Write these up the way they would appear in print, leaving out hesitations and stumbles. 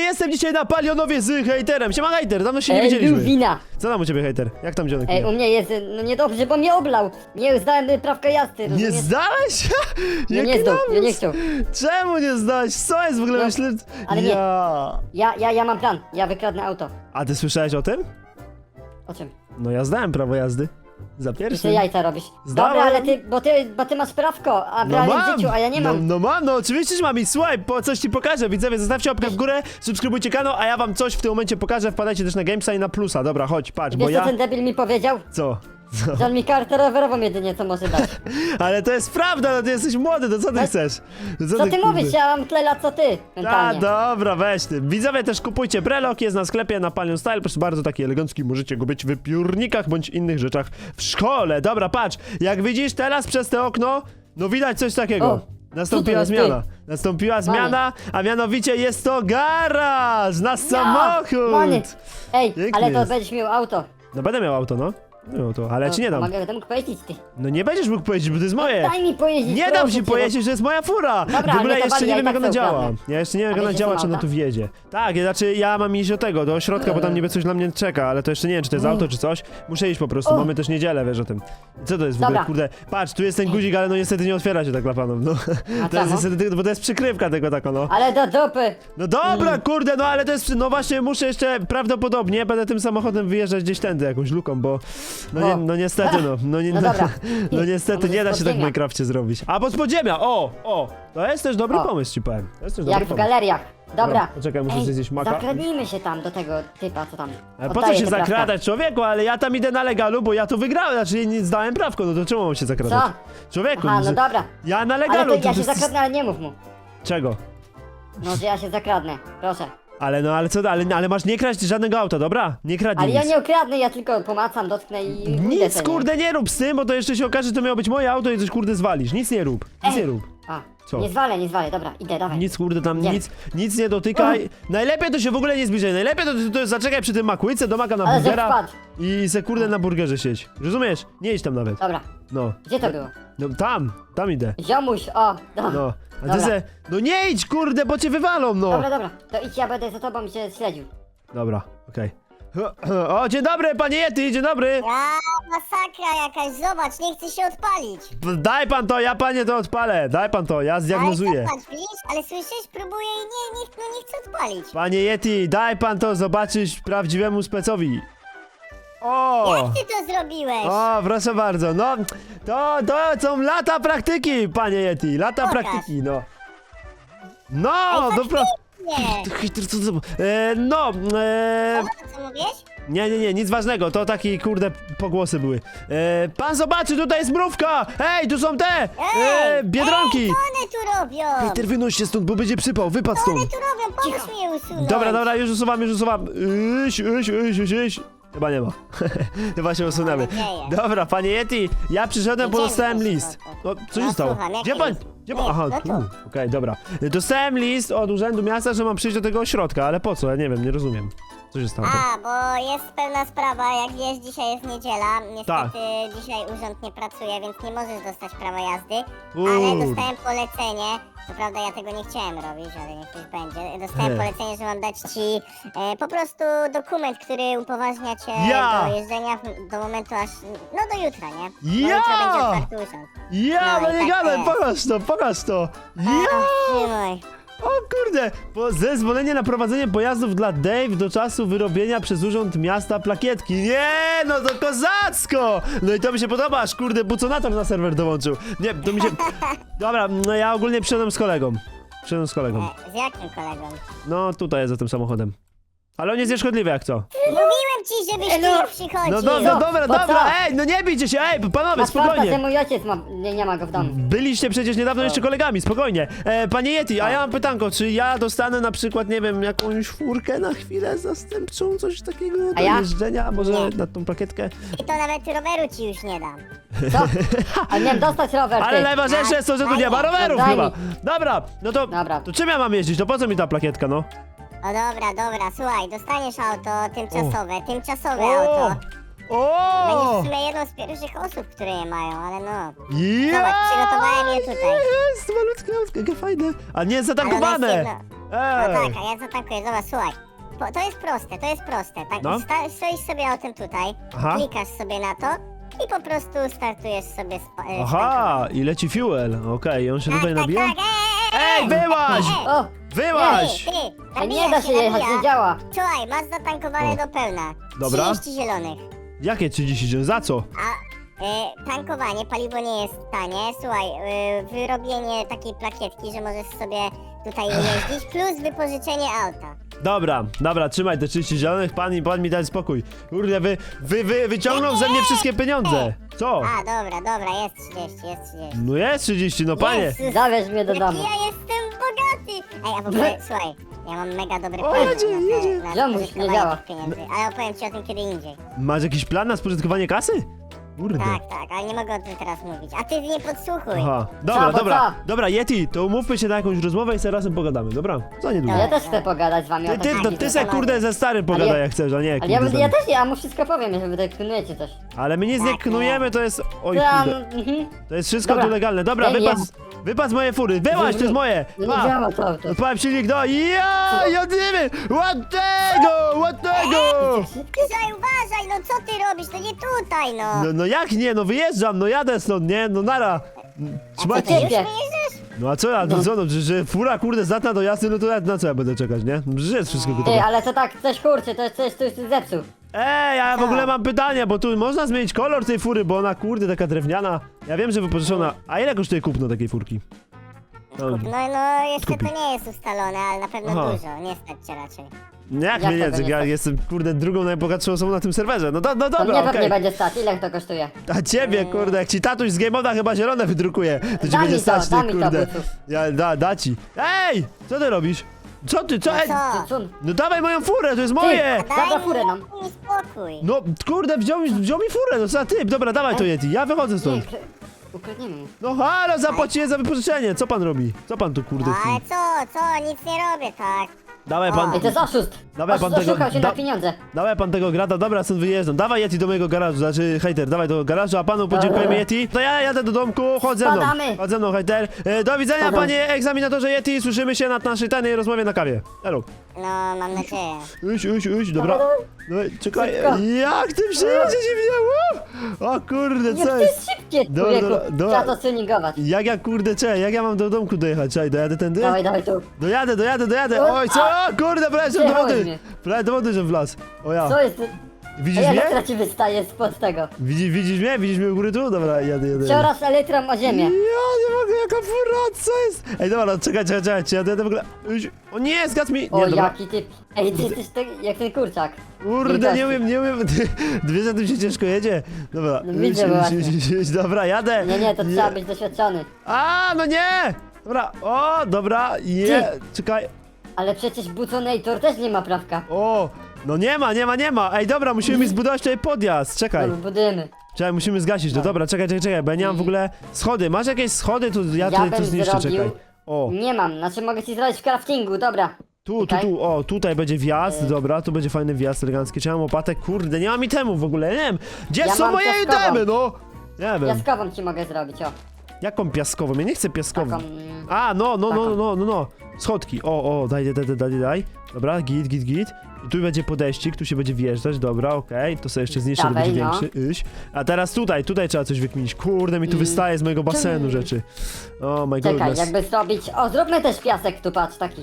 jestem dzisiaj na Palionowie z hejterem. Siema hejter, dawno się nie widzieliśmy. Wina. Co tam u ciebie hejter? Jak tam dzionek? U mnie jest, no niedobrze, bo mnie oblał. Nie zdałem prawka jazdy, Nie rozumiesz? zdałeś? No Jaki nie zdał, lamus? ja nie chciał. Czemu nie zdałeś? Co jest w ogóle? No, Myślę... ale nie. Ja. Ja mam plan, ja wykradnę auto. A ty słyszałeś o tym? O czym? No ja zdałem prawo jazdy. Za Ty pierwszym. sobie jajca robisz. Zdałem. Dobra, ale bo ty masz prawko, a w realnym życiu, a ja nie mam. No mam, no oczywiście, że mam i słuchaj, coś ci pokażę, widzowie, zostawcie łapkę w górę, subskrybujcie kanał, a ja wam coś w tym momencie pokażę, wpadajcie też na Gamesa i na Plusa, dobra, chodź, patrz, bo Wiesz ja... co ten debil mi powiedział? Co? Że on mi kartę rowerową jedynie co może dać. Ale to jest prawda, no ty jesteś młody, to co ty chcesz? Co ty kurde? mówisz? Ja mam tyle lat co ty, A, mentalnie. dobra, weź ty. Widzowie też kupujcie Brelok, jest na sklepie na Palion Style, proszę bardzo, taki elegancki, możecie go być w piórnikach bądź innych rzeczach w szkole. Dobra, patrz, jak widzisz teraz przez te okno, no widać coś takiego. O, Nastąpiła co to jest, zmiana. Nastąpiła zmiana, a mianowicie jest to garaż na samochód. Many. Ej, Piękny ale to jest. będziesz miał auto. No będę miał auto, no. No to, ale ja ci nie dam. Mogę mógł pojeździć ty. No nie będziesz mógł pojeździć, bo to jest moje. Daj mi pojeździć, Nie dam proszę ci cię, bo- pojeździć, że jest moja fura! Dobra, w ogóle ale to jeszcze wali, nie ja wiem i jak tak ona to działa. ukradnę. Ja jeszcze nie wiem jak A ona wiecie, działa, co czy ona ma tu wjedzie. Tak, znaczy ja mam iść do tego, do środka, bo tam niby coś na mnie czeka, ale to jeszcze nie wiem czy to jest auto czy coś. Muszę iść po prostu, O. mamy też niedzielę, wiesz o tym. Co to jest w ogóle, Dobra. kurde? Patrz, tu jest ten guzik, ale no niestety nie otwiera się tak dla panów, no. A To jest czemu? niestety, bo to jest przykrywka tego taka, no. Ale do dupy. No dobra, kurde, no ale to jest, no właśnie muszę jeszcze prawdopodobnie będę tym samochodem wyjeżdżać gdzieś tędy jakąś luką, bo no, O. no niestety, no No dobra. no niestety To nie da może się tak w podziemia. Minecrafcie zrobić. A pod podziemia, to jest też dobry O. pomysł ci powiem. To jest też Jak dobry w pomysł. galeriach. Dobra. Poczekaj, muszę sobie zjeść maka. Zakradnijmy się tam do tego typa, co tam. Ale po co oddaje się te prawka. zakradać, człowieku? Ale ja tam idę na legalu, bo ja to wygrałem, znaczy nie zdałem prawko, no to czemu mam się zakradać? Co? Człowieku, Aha, no że- dobra. ja na Ale legalu, to ja się zakradnę, ale nie mów mu. Czego? No, że ja się zakradnę. Proszę. Ale co, ale masz nie kraść żadnego auta, dobra? Nie kradnij Ale ja nic. nie ukradnę, ja tylko pomacam, dotknę i pójdę Nic sobie. kurde nie rób z tym, bo to jeszcze się okaże, że to miało być moje auto i coś kurde zwalisz. Nic nie rób, nic Ej. nie rób. A, Co? nie zwalę, dobra, idę, dawaj. Nic kurde tam, Nie. nic nie dotykaj. Najlepiej to się w ogóle nie zbliżaj. Najlepiej to zaczekaj przy tym makłyce do maka na Ale że burgera wpadł. i se kurde na burgerze siedź. Rozumiesz? Nie idź tam nawet. Dobra, No. gdzie to było? No tam idę. Ziomuś, o, dobra. No. A ty Dobra. se, no nie idź kurde, bo cię wywalą, no. Dobra, to idź, ja będę za tobą i cię śledził. Dobra, okej. O, dzień dobry, panie Yeti, dzień dobry. A, masakra jakaś, zobacz, nie chce się odpalić. Daj pan to, ja panie to odpalę. Daj pan to, ja zdiagnozuję. Ale zobacz, widzisz, ale słyszysz, próbuję i nie chce odpalić. Panie Yeti, daj pan to zobaczyć prawdziwemu specowi. O! Jak ty to zrobiłeś? O, proszę bardzo, no to są lata praktyki, panie Yeti, lata Pokaż. praktyki, no. No, Ej, dobra. Nie. Co mówisz? Nie, nic ważnego, to taki kurde pogłosy były. Pan zobaczy, tutaj jest mrówka! Ej, tu są te! Biedronki! Ej, co one tu robią? Peter, wynoś się stąd, bo będzie przypał, wypadł Co one stąd. tu robią? Pomóż mi je usunąć. Dobra, już usuwam. Iś. Chyba nie ma. Chyba się usunęły. Mam nadzieję. Dobra, panie Yeti, ja przyszedłem, bo Idziemy dostałem proszę list. bardzo. Co się No, stało? słucham, jaki Gdzie pan? list? Gdzie pan? Nie, Aha, no tu. to. Okej, dobra. Dostałem list od urzędu miasta, że mam przyjść do tego ośrodka, ale po co? Ja nie wiem, nie rozumiem. Co się stało? A, bo jest pewna sprawa, jak wiesz, dzisiaj jest niedziela. Niestety Tak. dzisiaj urząd nie pracuje, więc nie możesz dostać prawa jazdy. Kurde. Ale dostałem polecenie. Co prawda ja tego nie chciałem robić, ale niech już będzie. Dostałem polecenie, że mam dać ci po prostu dokument, który upoważnia cię Ja! do jeżdżenia do momentu aż. No do jutra, nie? Bo Ja! jutro będzie otwarty urząd. Ja, No no i nie tak gadaj, jest. pokaż to. Ja! Trzymaj. O kurde! Zezwolenie na prowadzenie pojazdów dla Dave do czasu wyrobienia przez Urząd Miasta plakietki. Nie, no to kozacko! No i to mi się podoba, aż kurde buconator na serwer dołączył. Nie, to mi się... Dobra, no ja ogólnie przyszedłem z kolegą. Z jakim kolegą? No tutaj jest za tym samochodem. Ale on jest nieszkodliwy jak co. Mówiłem ci, żebyś Ej, tu no. nie przychodził. No Co? dobra, Po co? ej, no nie bijcie się, ej, panowie, Masz farta, że spokojnie. mój ojciec nie ma go w domu. Byliście przecież niedawno jeszcze kolegami, spokojnie. Panie Yeti, a ja mam pytanko, czy ja dostanę na przykład, nie wiem, jakąś furkę na chwilę zastępczą, coś takiego do A ja? jeżdżenia, może Nie. na tą plakietkę? I to nawet roweru ci już nie dam. Co? A miałem dostać rower, Ale ty. najważniejsze jest to, że tu nie ma rowerów Daj mi. chyba. Dobra, no to, Dobra. to czym ja mam jeździć? To po co mi ta plakietka, no? O dobra, słuchaj, dostaniesz auto tymczasowe O! auto. Będziesz O! w sumie jedną z pierwszych osób, które je mają, ale no. Ja! Zobacz, przygotowałem je tutaj. Jest, malutkie, jakie fajne. A nie jest Ale ono jest zatankowane. jedno... No Ej! tak, a ja zatankuję, zobacz, słuchaj. To jest proste, to jest proste. Tak, No. stoisz sobie o tym tutaj, Aha. klikasz sobie na to i po prostu startujesz sobie z Aha, i leci fuel. Okej, on się tutaj tak, nabija? tak, Ej, wyłaź! O, Wyłaź! Ty, a nabija nie da się jechać, nabija. nie działa. Słuchaj, masz zatankowane O. do pełna. Dobra. 30 zielonych. Jakie 30 dzień? Za co? A tankowanie, paliwo nie jest tanie. Słuchaj, wyrobienie takiej plakietki, że możesz sobie tutaj jeździć, plus wypożyczenie auta. Dobra, trzymaj te 30 zielonych, pan mi daj spokój. Kurde, wyciągnął ze mnie wszystkie pieniądze. Co? A, dobra, jest 30, jest 30. No jest 30, no panie. Jezus, Zawieź mnie do jaki domu. ja jestem bogaty! Ej, a w ogóle, słuchaj, ja mam mega dobry O, plan jedzie. na Ziomuś, nie spożytkowanie działa. tych pieniędzy, ale opowiem ci o tym kiedy indziej. Masz jakiś plan na spożytkowanie kasy? Kurde. Tak, ale nie mogę o tym teraz mówić. A ty nie podsłuchuj. Aha, Co? dobra, Yeti, to umówmy się na jakąś rozmowę i sobie razem pogadamy, dobra? Za niedługo. Ja też chcę pogadać z wami o Ty se kurde ze starym pogadaj ja- jak chcesz, a nie Ale kurde ze ja mną. też, ja mu wszystko powiem, jeżeli wy tak knujecie coś. Ale my nic nie Tak, knujemy, to jest... Oj Tam, kurde, to jest wszystko Dobra. tu legalne. Dobra, Nie, nie. wypad z mojej fury, wyłaź, to jest moje! No nie Pa! działa to auto. Odpałem silnik, no ja, jadymy! Ładnego! Uważaj, uważaj, no co ty robisz? To nie tutaj, no. No jak nie, no wyjeżdżam, no jadę stąd, nie? No nara! Trzymaj Ty już ciebie. wyjeżdżasz? No a co ja, no co, no, że fura kurde zdatna do jazdy, no to na co ja będę czekać, nie? No, przecież jest wszystko Ty, gotowe. ale to tak, coś kurczy, to jest coś, coś tu zepsuł. Ej, ja w ogóle mam pytanie, bo tu można zmienić kolor tej fury, bo ona kurde taka drewniana. Ja wiem, że wypożyczona. A ile kosztuje kupno takiej furki? No, No, jeszcze Kupi. to nie jest ustalone, ale na pewno Aha. dużo, nie stać cię raczej. jak Jak mnie tego nie, nie ja stać? jestem kurde drugą najbogatszą osobą na tym serwerze. No To dobra, mnie pewnie okej. będzie stać, ile to kosztuje? A ciebie kurde, jak ci tatuś z Game Moda chyba zielone wydrukuje, to ci Da będzie mi to, stać, da ty mi to, kurde. bucu. Da ci. Ej! Co ty robisz? Co ty, co? No Ej! co? Cun. No dawaj moją furę, to jest moje! Zabrał furę nam. Daj mi spokój. No kurde, wziął mi furę, no co ty? Dobra, dawaj to Yeti, ja wychodzę Nie, stąd. ukradniemy mu. No halo, zapłaciłem za wypożyczenie, co pan robi? Co pan tu kurde No chce? ale co, nic nie robię, tak. Dawaj pan, Ej, to jest oszust. Dawaj pan tego- Oszukał się da- na pieniądze. dawaj pan tego grata, dobra, stąd wyjeżdżam. Dawaj Yeti do mojego garażu, znaczy hejter, dawaj do garażu, a panu podziękujemy Yeti. To ja jadę do domku, chodź ze mną. Spadamy. Chodź ze mną hejter. Do widzenia Spadam. panie egzaminatorze Yeti, słyszymy się na naszej tajnej rozmowie na kawie. Elo. No, mam nadzieję. Uś, dobra. No, czekaj, Szybko. jak ty przyjedzie dziwnie, o kurde, Nie, co to jest? jest szybkie, Dobra, człowieku. dobra. Trzeba to tuningować. Jak ja kurde, jak ja mam do domku dojechać? Czekaj, dojadę tędy? Dawaj tu. Dojadę. O, Oj, co? O, kurde, prawie że do Wjechałeś wody. mnie. Prawie do wody, że wlazł. O ja. Co jest? Widzisz Ej, mnie? elektra ci wystaje spod tego. Widzisz mnie? Widzisz mnie u góry tu? Dobra, jadę. Coraz elektrą o ziemię. Ja nie mogę, jaka fura, co jest? Ej, dobra, no, czekaj, czy jadę w ogóle... O nie, zgadz mi! O, Nie, dobra. jaki typ. Ej, ty jesteś tak, jak ten kurczak. Kurde, nie Wielkości. umiem. Ty wiesz, że tym się ciężko jedzie? Dobra, No widzę właśnie. dobra, jadę. Nie, to trzeba być doświadczony. A, no nie! Dobra, dobra, czekaj. Ale przecież Buconator też nie ma prawka. O, no nie ma. Ej, dobra, musimy mi zbudować tutaj podjazd, czekaj. No, budujemy. Czekaj, musimy zgasić to, dobra, czekaj, bo ja nie mam w ogóle schody. Masz jakieś schody? Tu ja Ja tu bym zniszczę, zrobił- czekaj. O, Nie mam, znaczy mogę ci zrobić w craftingu, dobra. Czekaj. o, tutaj będzie wjazd, dobra, tu będzie fajny wjazd elegancki. Czy ja mam łopatę? Kurde, nie mam itemów w ogóle, nie wiem. Gdzie Ja są mam moje piaskową. itemy, no? Nie wiem. Piaskową ci mogę zrobić, o. Jaką piaskową? Ja nie chcę piaskową. Taką. A, no. Taką. Schodki, daj. Dobra, git. I tu będzie podejścik, tu się będzie wjeżdżać, dobra, okej. To sobie jeszcze zniszczę, to Dawaj, będzie no. większy. Iść. A teraz tutaj trzeba coś wykminić. Kurde, mi tu wystaje z mojego basenu rzeczy. Oh my Czekaj, goodness. jakby zrobić. O, zróbmy też piasek tu, patrz, taki.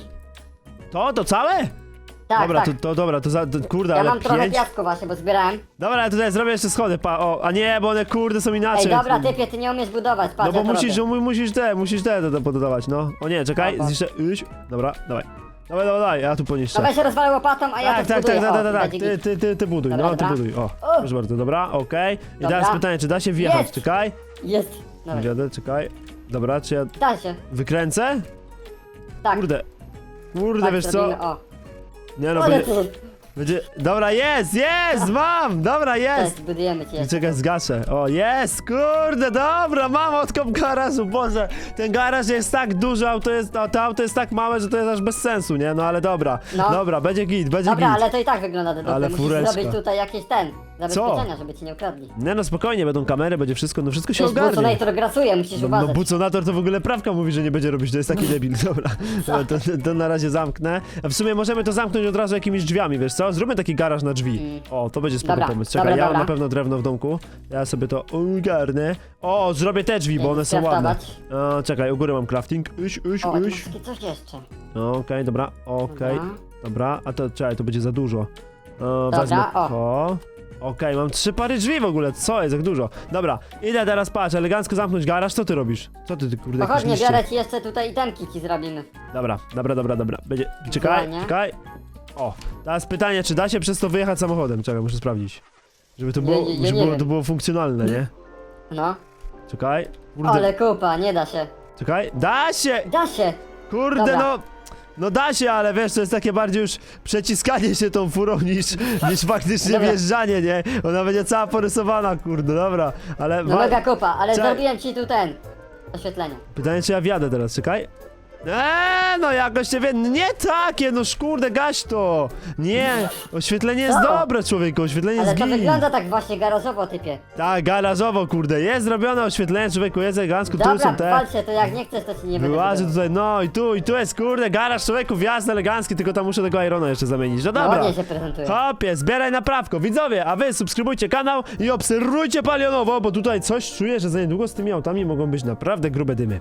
To całe? Tak, Dobra, tak. kurde, Ja ale mam trochę 5. piasku właśnie, bo zbierałem. Dobra, ale tutaj zrobię jeszcze schody, a nie, bo one kurde są Ej, inaczej. dobra, typie, ty nie umiesz budować, patrz, No bo ja to musisz robię. te pododawać, no. O nie, czekaj, Dobra. zniszczę, Dobra, dawaj. Dawaj, ja tu poniszczę. No weź się rozwalę łopatą, a ja Tak, to zbuduję. O, tak, będzie git. ty buduj, Dobra, no, ty dobra. buduj, o, O. proszę bardzo, dobra, okej. I Dobra. teraz pytanie, czy da się wjechać, Jest. czekaj. Jest. Dobra, Wjadę, czekaj. Dobra, czy ja da się. wykręcę? Tak. Kurde, tak, wiesz co? zrobimy, o. Nie no, Ale będzie, dobra, jest, mam, dobra, jest. Cześć, budujemy cię. Czekaj, zgaszę. O, jest, kurde, dobra, mam odkop garażu, Boże. Ten garaż jest tak duży, to auto jest tak małe, że to jest aż bez sensu, nie? No ale dobra, No. dobra, będzie git, Dobra, git. ale to i tak wygląda dobrze. Ale Musisz fureczka. zrobić tutaj jakieś ten. Zabezpieczenia, żeby ci nie ukradli. Nie no, spokojnie, będą kamery, będzie wszystko, no wszystko się Wiesz, ogarnie. Buconator grasuje, musisz No uważać. Buconator to w ogóle prawka mówi, że nie będzie robić, to jest taki debil, dobra. To na razie zamknę. A w sumie możemy to zamknąć od razu jakimiś drzwiami, wiesz co? Zróbmy taki garaż na drzwi. O, to będzie spoko Dobra, pomysł. Czekaj, dobra, ja mam dobra. na pewno drewno w domku. Ja sobie to ogarnę. O, zrobię te drzwi, bo one są ładne. Skraftować. O, czekaj, u góry mam crafting. Uś. O, tu masz takie coś jeszcze. Okej, dobra, okej. Dobra. Dobra, a to czekaj, to będzie za dużo. Dobra, Wezmę o. to. Okej, mam 3 pary drzwi w ogóle, co jest, jak dużo. Dobra, idę teraz, patrz, elegancko zamknąć garaż, co ty robisz? Co ty kurde, jakiś Pochodnie, liście? biorę ci jeszcze tutaj itemki ci zrobimy. Dobra. Będzie... Czekaj. O, teraz pytanie, czy da się przez to wyjechać samochodem? Czekaj, muszę sprawdzić. Żeby to było, nie wiem. to było funkcjonalne, nie? No. Czekaj. Kurde, Ale kupa, nie da się. czekaj. Da się! Da się! Kurde, Dobra. no! No da się, ale wiesz, to jest takie bardziej już przeciskanie się tą furą niż faktycznie Dobra. wjeżdżanie, nie? Ona będzie cała porysowana, kurde, dobra. Ale No mega kupa, ale Czekaj. zrobiłem ci tu oświetlenie. pytanie, czy ja wjadę teraz, czekaj. No jakoś nie wiem, nie takie, no kurde, gaś to! Nie, oświetlenie jest Co? dobre, człowieku, oświetlenie Ale jest to git. wygląda tak właśnie garażowo, typie. Tak, garażowo, kurde, jest zrobione oświetlenie, człowieku, jest elegancko, tu Dobra, są te... walcie, to jak nie chcesz, to ci nie będę Wyłażę budował. tutaj, no i tu jest, kurde, garaż, człowieku, wjazd elegancki, tylko tam muszę tego Irona jeszcze zamienić, no No, dobra. ładnie się prezentuje. Hopie, zbieraj naprawko, widzowie, a wy subskrybujcie kanał i obserwujcie palionowo, bo tutaj coś czuję, że za niedługo z tymi autami mogą być naprawdę grube dymy.